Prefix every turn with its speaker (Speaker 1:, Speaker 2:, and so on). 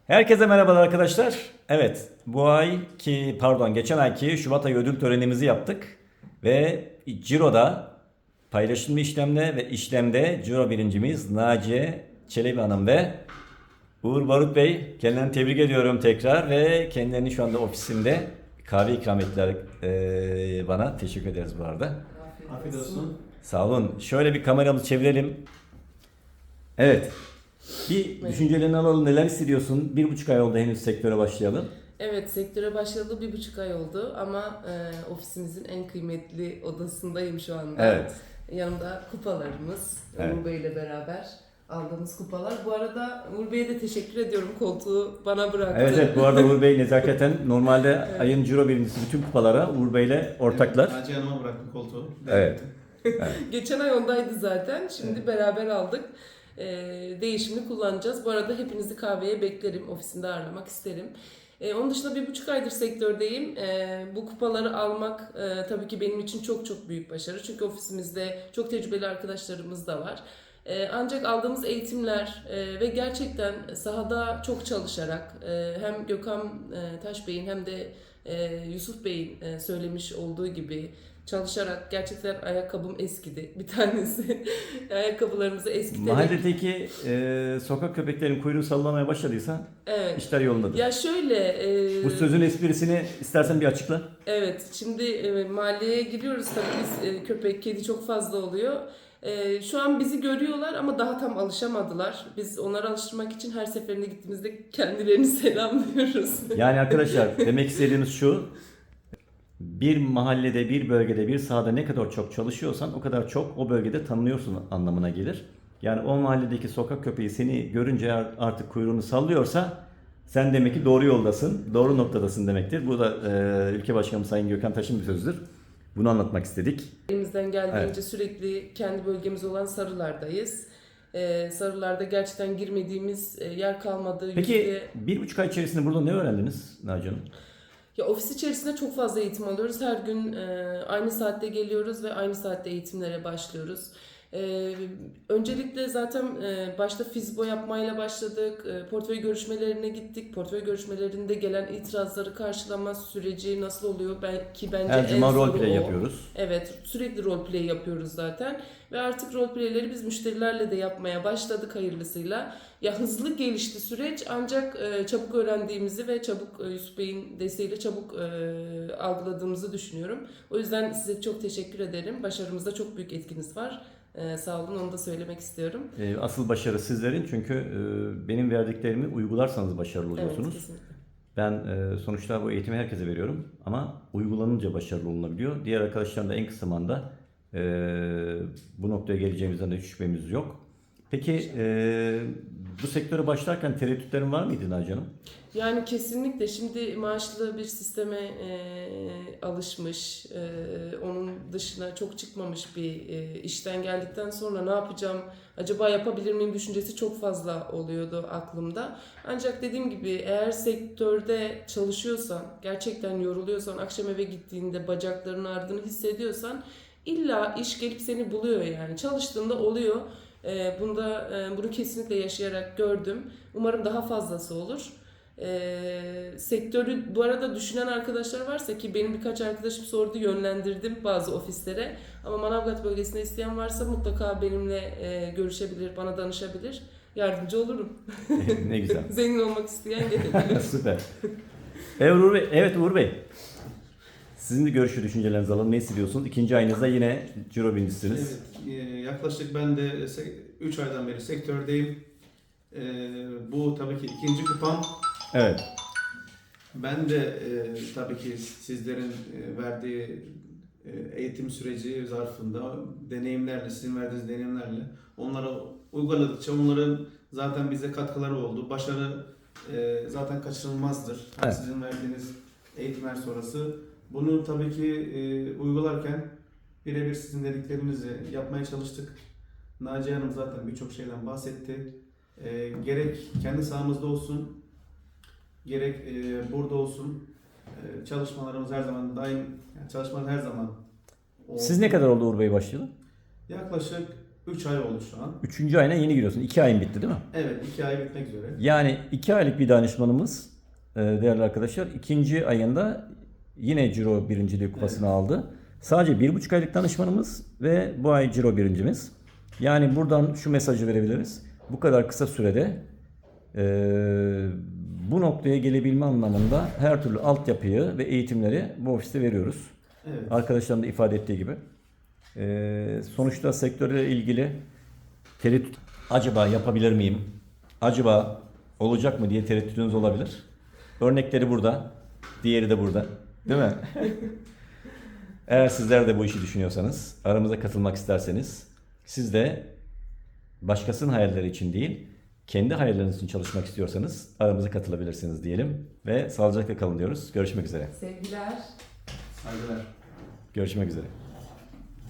Speaker 1: Herkese merhabalar arkadaşlar. Evet, geçen ayki Şubat ayı ödül törenimizi yaptık ve Ciro'da paylaşımlı işlemde ve işlemde Ciro birincimiz Naciye Çelebi Hanım ve Uğur Barut Bey. Kendilerini tebrik ediyorum tekrar ve kendilerini şu anda ofisimde kahve ikram ettiler bana. Teşekkür ederiz bu arada.
Speaker 2: Afiyet olsun.
Speaker 1: Sağ olun. Şöyle bir kameramızı çevirelim. Evet. Bir düşüncelerini alalım. Neler hissediyorsun? 1,5 ay oldu henüz sektöre başlayalım.
Speaker 3: Evet, sektöre başlayalı 1,5 ay oldu ama ofisimizin en kıymetli odasındayım şu anda.
Speaker 1: Evet.
Speaker 3: Yanımda kupalarımız,
Speaker 1: Evet.
Speaker 3: Uğur Bey ile beraber aldığımız kupalar. Bu arada Uğur Bey'e de teşekkür ediyorum, koltuğu bana bıraktı.
Speaker 1: Evet, bu arada Uğur Bey nezaketen normalde
Speaker 3: Evet.
Speaker 1: ayın Ciro birincisi bütün kupalara Uğur Bey'le ortaklar.
Speaker 2: Evet, Naciye Hanım'a bıraktım koltuğu.
Speaker 1: Evet.
Speaker 3: Geçen ay ondaydı zaten, şimdi beraber aldık. Değişimini kullanacağız. Bu arada hepinizi kahveye beklerim, ofisinde ağırlamak isterim. Onun dışında 1,5 aydır sektördeyim. Bu kupaları almak tabii ki benim için çok çok büyük başarı. Çünkü ofisimizde çok tecrübeli arkadaşlarımız da var. Ancak aldığımız eğitimler ve gerçekten sahada çok çalışarak hem Gökhan Taş Bey'in hem de Yusuf Bey'in söylemiş olduğu gibi çalışarak gerçekten ayakkabım eskidi. Bir tanesi ayakkabılarımızı eskiterek.
Speaker 1: Mahalledeki sokak köpeklerin kuyruğu sallamaya başladıysa
Speaker 3: Evet.
Speaker 1: işler yolundadır.
Speaker 3: Ya şöyle.
Speaker 1: Bu sözün esprisini istersen bir açıkla.
Speaker 3: Evet. Şimdi mahalleye giriyoruz tabii biz köpek, kedi çok fazla oluyor. Şu an bizi görüyorlar ama daha tam alışamadılar. Biz onları alıştırmak için her seferinde gittiğimizde kendilerini selamlıyoruz.
Speaker 1: Yani arkadaşlar demek istediğimiz şu. Bir mahallede, bir bölgede, bir sahada ne kadar çok çalışıyorsan o kadar çok o bölgede tanınıyorsun anlamına gelir. Yani o mahalledeki sokak köpeği seni görünce artık kuyruğunu sallıyorsa sen demek ki doğru yoldasın, doğru noktadasın demektir. Bu da ülke başkanımız Sayın Gökhan Taş'ın bir sözüdür. Bunu anlatmak istedik.
Speaker 3: Elimizden geldiğince
Speaker 1: Evet.
Speaker 3: sürekli kendi bölgemiz olan Sarılar'dayız. Sarılar'da gerçekten girmediğimiz yer kalmadı.
Speaker 1: Peki 1,5 ay içerisinde burada ne öğrendiniz Naciye Hanım?
Speaker 3: Ya ofis içerisinde çok fazla eğitim alıyoruz. Her gün aynı saatte geliyoruz ve aynı saatte eğitimlere başlıyoruz. Öncelikle zaten başta fizbo yapmayla başladık. Portföy görüşmelerine gittik. Portföy görüşmelerinde gelen itirazları karşılama süreci nasıl oluyor? Bence
Speaker 1: Her
Speaker 3: en
Speaker 1: cuma
Speaker 3: zoru
Speaker 1: roleplay
Speaker 3: o.
Speaker 1: yapıyoruz.
Speaker 3: Evet, sürekli roleplay yapıyoruz zaten. Ve artık roleplayleri biz müşterilerle de yapmaya başladık hayırlısıyla. Ya hızlı gelişti süreç ancak çabuk öğrendiğimizi ve çabuk Yusuf Bey'in desteğiyle çabuk algıladığımızı düşünüyorum. O yüzden size çok teşekkür ederim. Başarımızda çok büyük etkiniz var. Sağ olun, onu da söylemek istiyorum.
Speaker 1: Asıl başarı sizlerin çünkü benim verdiklerimi uygularsanız başarılı
Speaker 3: Evet,
Speaker 1: oluyorsunuz.
Speaker 3: kesinlikle.
Speaker 1: Ben sonuçta bu eğitimi herkese veriyorum ama uygulanınca başarılı olunabiliyor. Diğer arkadaşlarım da en kısa zamanda bu noktaya geleceğimizden de hiç şüphemiz yok. Peki bu sektöre başlarken tereddütlerin var mıydı Naciye Hanım?
Speaker 3: Yani kesinlikle şimdi maaşlı bir sisteme alışmış, onun dışına çok çıkmamış bir işten geldikten sonra ne yapacağım, acaba yapabilir miyim düşüncesi çok fazla oluyordu aklımda. Ancak dediğim gibi eğer sektörde çalışıyorsan, gerçekten yoruluyorsan, akşam eve gittiğinde bacaklarının ardını hissediyorsan illa iş gelip seni buluyor yani. Çalıştığında oluyor. Bunu kesinlikle yaşayarak gördüm. Umarım daha fazlası olur. Sektörü bu arada düşünen arkadaşlar varsa ki benim birkaç arkadaşım sordu, yönlendirdim bazı ofislere. Ama Manavgat bölgesinde isteyen varsa mutlaka benimle görüşebilir, bana danışabilir. Yardımcı olurum.
Speaker 1: Ne güzel.
Speaker 3: Zengin olmak isteyen gelebilir.
Speaker 1: Süper. Evet Uğur Bey. Sizin de görüş ve düşüncelerinizi alalım. Ne hissediyorsunuz? İkinci ayınızda yine Ciro birincisiniz.
Speaker 2: Evet, yaklaşık ben de 3 aydan beri sektördeyim. Bu tabii ki ikinci kupam.
Speaker 1: Evet.
Speaker 2: Ben de tabii ki sizlerin verdiği eğitim süreci zarfında deneyimlerle, sizin verdiğiniz deneyimlerle onlara uyguladıkça onların zaten bize katkıları oldu. Başarı zaten kaçınılmazdır.
Speaker 1: Evet.
Speaker 2: Sizin verdiğiniz eğitimler sonrası. Bunu tabii ki uygularken birebir sizin dediklerinizi yapmaya çalıştık. Naciye Hanım zaten birçok şeyden bahsetti. Gerek kendi sahamızda olsun, gerek burada olsun çalışmalarımız her zaman daim, yani çalışmalar her zaman oldu.
Speaker 1: Siz ne kadar oldu Uğur Bey başlayalı?
Speaker 2: Yaklaşık 3 ay oldu şu an.
Speaker 1: 3. ayına yeni giriyorsun. 2 ayın bitti değil mi?
Speaker 2: Evet, 2 ay bitmek üzere.
Speaker 1: Yani 2 aylık bir danışmanımız değerli arkadaşlar 2. ayında yine Ciro birinciliği kupasını aldı. Sadece 1,5 aylık danışmanımız ve bu ay Ciro birincimiz. Yani buradan şu mesajı verebiliriz. Bu kadar kısa sürede bu noktaya gelebilme anlamında her türlü altyapıyı ve eğitimleri bu ofiste veriyoruz.
Speaker 2: Evet.
Speaker 1: Arkadaşların da ifade ettiği gibi. Sonuçta sektörle ilgili tereddüt, acaba yapabilir miyim? Acaba olacak mı diye tereddütünüz olabilir. Örnekleri burada. Diğeri de burada. Değil mi? Eğer sizler de bu işi düşünüyorsanız, aramıza katılmak isterseniz, siz de başkasının hayalleri için değil, kendi hayalleriniz için çalışmak istiyorsanız aramıza katılabilirsiniz diyelim ve sağlıcakla kalın diyoruz. Görüşmek üzere.
Speaker 3: Sevgiler.
Speaker 2: Saygılar.
Speaker 1: Görüşmek üzere.